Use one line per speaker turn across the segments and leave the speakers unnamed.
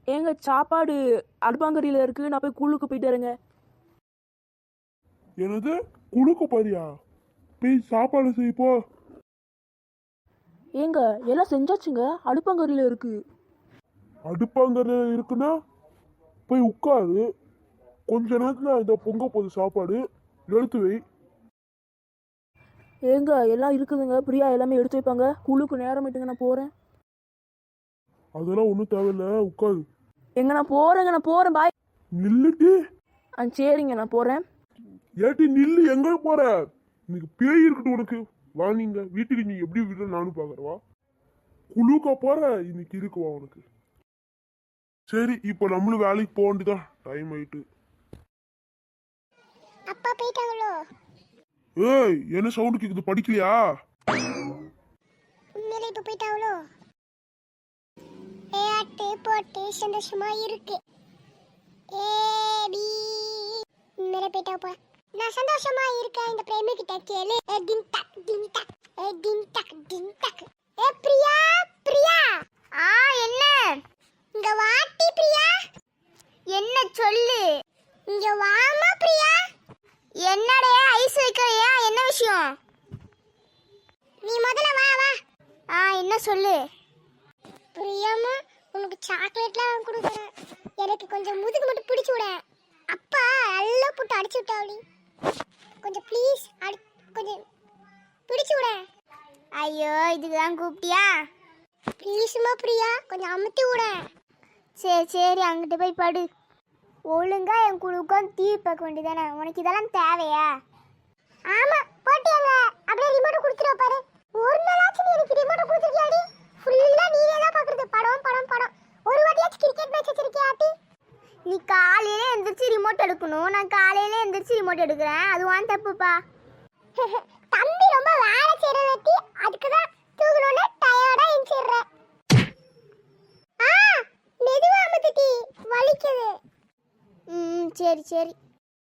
ஏங்க சாப்பாடு அடுப்பாங்கறியில் இருக்கு, நான் போய் கூழுக்கு போயிட்டு வரேங்க.
எனது குழுக்கு பாரியா? போய் சாப்பாடு செய்ப்போ.
ஏங்க எல்லாம் செஞ்சாச்சுங்க, அடுப்பாங்கறியில் இருக்கு.
அடுப்பாங்கற இருக்குன்னா போய் உட்காரு. கொஞ்ச நேரத்துல இந்த பொங்க போகுது சாப்பாடு, எடுத்து வை.
ஏங்க எல்லாம் இருக்குதுங்க, பிரியா எல்லாமே எடுத்து வைப்பாங்க. கூழுக்கு நேரம் ஆயிட்டுங்க, நான் போறேன்.
அதெல்லாம் ஒன்றும் தேவையில்ல, உட்காரு.
எங்க நான் போறேன் பாய்.
நில்லுட்டு.
சரிங்க நான் போறேன்.
ஏட்டி நில்லு, எங்க போற? இன்னைக்கு பேய் இருக்கட்டும் உனக்கு. வா, நீங்க வீட்டுக்கு நீ எப்படி விட நானும் பாக்குறவா. குழுக்கா போற, இன்னைக்கு இருக்குவா உனக்கு. சரி, இப்போ நம்மளும் வேலைக்கு போக வேண்டியதான், டைம் ஆயிட்டு.
அப்பா போயிட்டாங்களோ?
ஏய், என்ன சவுண்ட் கேக்குது, படிக்கலையா?
உண்மையில இப்ப போயிட்டாங்களோ? ஏட்டு போட்டு சந்தோஷமா இருக்கு. ஏடி உண்மையில போயிட்டாப்பா. நான் சந்தோஷமா இருக்கேன். இந்த பிரேமி கிட்ட கேளு. டிங் டக் டிங் டக், டிங் டக் டிங் டக். பிரியா பிரியா. என்ன? இங்க வாட்டி பிரியா. என்ன சொல்லு? இங்க வாமா பிரியா. என்னடே ஐஸ் வைக்கறியா? என்ன விஷயம்? நீ முதல்ல வா வா. என்ன சொல்லு? பிரியாமா, உனக்கு சாக்லேட்லாம் வாங்கி கொடுக்குறேன். எனக்கு கொஞ்சம் முதுகு மட்டும் பிடிச்சி விட. அப்பா நல்லா போட்டு அடிச்சு விட்டாவளி. கொஞ்சம் ப்ளீஸ் கொஞ்சம் பிடிச்சி விட. ஐயோ, இதுதான் கூப்பிட்டியா? ப்ளீஸ்மா பிரியா, கொஞ்சம் அமுத்தி விட. சரி சரி, அங்கிட்டு போய் படு. ஒழுங்கா என் கூட உட்காந்து டிவி பார்க்க வேண்டியதானே? உனக்கு இதெல்லாம் தேவையா? ஆமா, போட்டியாங்க. அப்படியே ரிமோட் கொடுத்துருவ பாரு. ஒரு நாளாச்சும் நீ எனக்கு ரிமோட் கொடுத்துருக்கியாடி? ஃபுல்லா நீயே தான் பார்க்கறது, படம் படம் படம். ஒரு வாட்டியாச்சும் கிரிக்கெட் மேட்ச் வச்சிருக்கியா ஆட்டி? நீ காலையில எந்திரிச்சு ரிமோட் எடுக்கணும், நான் காலையில எந்திரிச்சு ரிமோட் எடுக்கிறேன். அது வான் தப்புப்பா. தம்பி ரொம்ப வேலை செய்யறதி, அதுக்கு தான் தூங்கணும்னு டயர்டா எந்திரிற. மெதுவா அமுத்துட்டி, வலிக்குது. சரி சரி.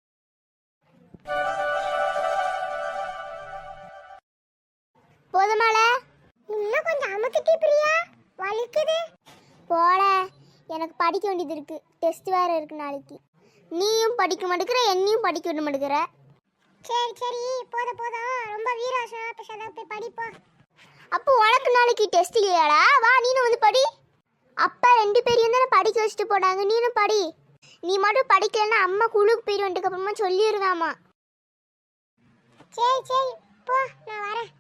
போதுமால? இன்னும் கொஞ்சம் அமுத்துட்டி பிரியா, வலிக்குது. போல, எனக்கு படிக்க வேண்டியது இருக்கு. டெஸ்ட் வேற இருக்கு நாளைக்கு. நீயும் படிக்க மாட்டேங்கிற, என்னையும் படிக்க விட மாட்டேங்கிற. சரி சரி, போதும் ரொம்ப வீராசம் பேசாத, போய் படிப்போ. அப்போ உனக்கு நாளைக்கு டெஸ்ட் இல்லையாடா? வா, நீனும் வந்து படி. அப்பா 2 பேரையும் தானே படிக்க வச்சுட்டு போனாங்க, நீனும் படி. நீ மட்டும் படிக்கலன்னா அம்மா குழுக்கு போயிடுவதுக்கு அப்புறமா சொல்லிடுதாமா. சரி சரி, போ, நான் வரேன்.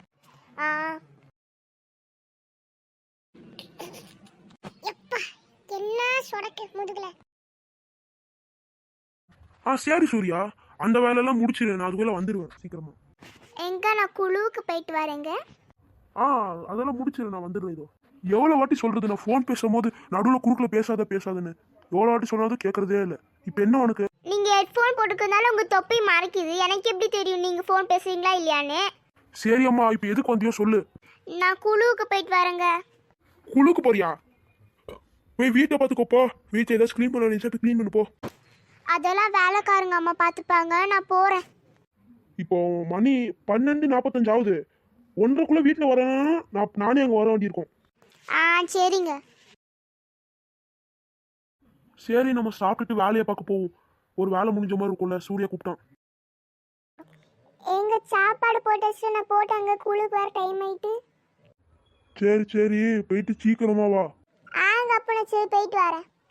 எப்பா என்ன சொடக்கு முதுகுல.
சரி சூர்யா, அந்த வேலையெல்லாம் முடிச்சிரு, நான் அதுக்குள்ள வந்துடுவேன் சீக்கிரமா.
எங்க நான் குழுவுக்கு போயிட்டு வரேங்க.
அதெல்லாம் முடிச்சிரு, நான் வந்துடுவேன். இதோ எவ்வளோ வாட்டி சொல்றது, நான் ஃபோன் பேசும்போது நடுவில் குறுக்கில் பேசாதன்னு எவ்வளோ வாட்டி சொன்னாலும் கேட்கறதே இல்லை. இப்போ என்ன உனக்கு?
நீங்க ஹெட்ஃபோன் போட்டுக்கிறதுனால உங்க தொப்பை மறைக்குது. எனக்கு எப்படி தெரியும் நீங்க ஃபோன் பேசுறீங்களா இல்லையான்னு?
சரி அம்மா, இப்போ எதுக்கு வந்தியோ சொல்லு.
நான் குழுவுக்கு போயிட்டு வரேங்க.
குழுக்கு போறியா? போய் வீட்டை பார்த்துக்கோப்போ. வீட்டை ஏதாச்சும் க்ளீன் பண்ண நினைச்சா க்ளீன் பண்ணு போ.
அதெல்லாம் வேலைக்காரங்க அம்மா பார்த்துப்பாங்க, நான் போறேன்.
இப்போ மணி 12:45 ஆகுது. 1:30 வீட்டில் வரேன்னா நானே அங்கே வர வேண்டியிருக்கோம்.
சரிங்க.
சரி, நம்ம சாப்பிட்டுட்டு வேலையை பார்க்க போவோம். ஒரு வேலை முடிஞ்ச மாதிரி இருக்கும்ல. சூர்யா கூப்பிட்டான்.
எங்க சாப்பாடு போட்டு நான் போட்டாங்க, குழுக்கு வர டைம் ஆயிட்டு.
சரி போயிட்டு சீக்கிரமா வா.
அப்ப நான் சரி போயிட்டு வரேன்.